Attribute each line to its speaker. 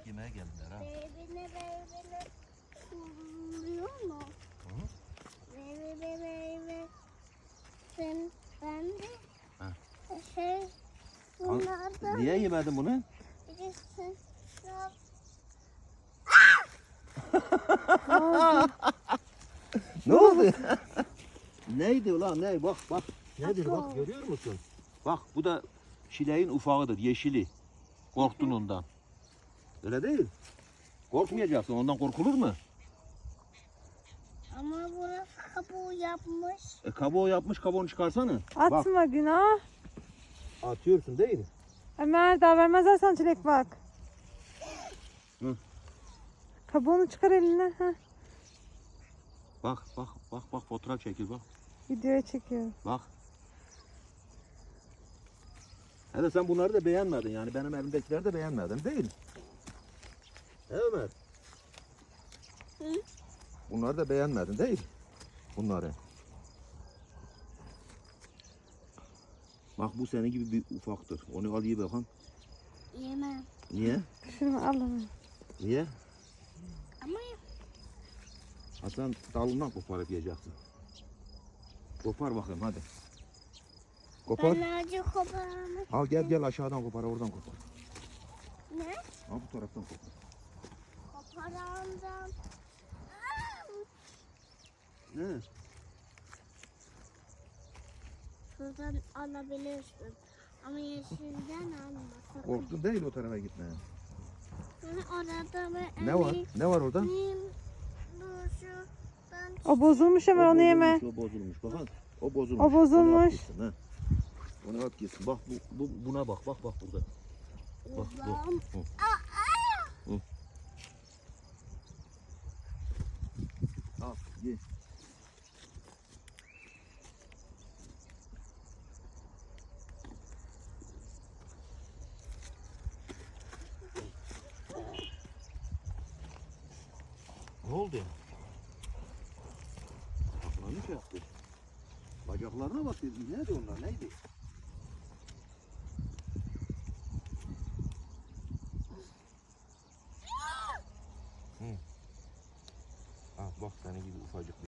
Speaker 1: Yemek yemeye geldiler ha.
Speaker 2: Beybine vuruyor mu?
Speaker 1: Hı?
Speaker 2: Beybe. Ben de
Speaker 1: Ha.
Speaker 2: bunlardan
Speaker 1: Niye yemedin bunu?
Speaker 2: birisi yok.
Speaker 1: Ne oldu? Neydi ulan ne? Bak. Nedir bak görüyor musun? Bak bu da çileğin ufağıdır, yeşili. Korktun ondan. Öyle değil. Korkmayacaksın, ondan korkulur mu?
Speaker 2: Ama burası kabuğu yapmış.
Speaker 1: Kabuğu yapmış, kabuğunu çıkarsana.
Speaker 3: Atma günah.
Speaker 1: Atıyorsun değil mi?
Speaker 3: Ömer daha vermezler sana çilek bak.
Speaker 1: Hı.
Speaker 3: Kabuğunu çıkar eline. Heh.
Speaker 1: Bak fotoğraf çekil bak.
Speaker 3: Videoya çekiyor.
Speaker 1: Bak. Hele sen bunları da beğenmedin yani benim elimdekileri de beğenmedin değil mi? He Ömer?
Speaker 2: Hı?
Speaker 1: Bunları da beğenmedin değil mi? Bunları. Bak bu senin gibi bir ufaktır. Onu al ye bakalım.
Speaker 2: Yemem.
Speaker 1: Niye?
Speaker 3: Şunu al Ömer.
Speaker 1: Niye?
Speaker 2: Ama
Speaker 1: Ha sen dalından koparıp yiyeceksin. Kopar bakayım hadi. Kopar.
Speaker 2: ben acı koparamam.
Speaker 1: Al gel aşağıdan kopar oradan kopar.
Speaker 2: Ne?
Speaker 1: Al bu taraftan kopar.
Speaker 2: Koparandan.
Speaker 1: Ne?
Speaker 2: Şuradan alabilirsin. Ama yeşilden alma. sakın.
Speaker 1: Korktun değil o tarafa gitmeye.
Speaker 2: Orada ve
Speaker 1: Ne var? Ne var orada?
Speaker 3: O bozulmuş Ömer, onu yeme.
Speaker 1: O bozulmuş. Bakın. O bozulmuş.
Speaker 3: O bozulmuş.
Speaker 1: Onu at gitsin, ha. Onu at gitsin. Bak buna bak. Bak burada. Bak bu. Hı. Al ye. Ne oldu? Bacaklarını şey yaptı. Bacaklarına bak. Nerede onlar? Neydi? Bak senin gibi ufacık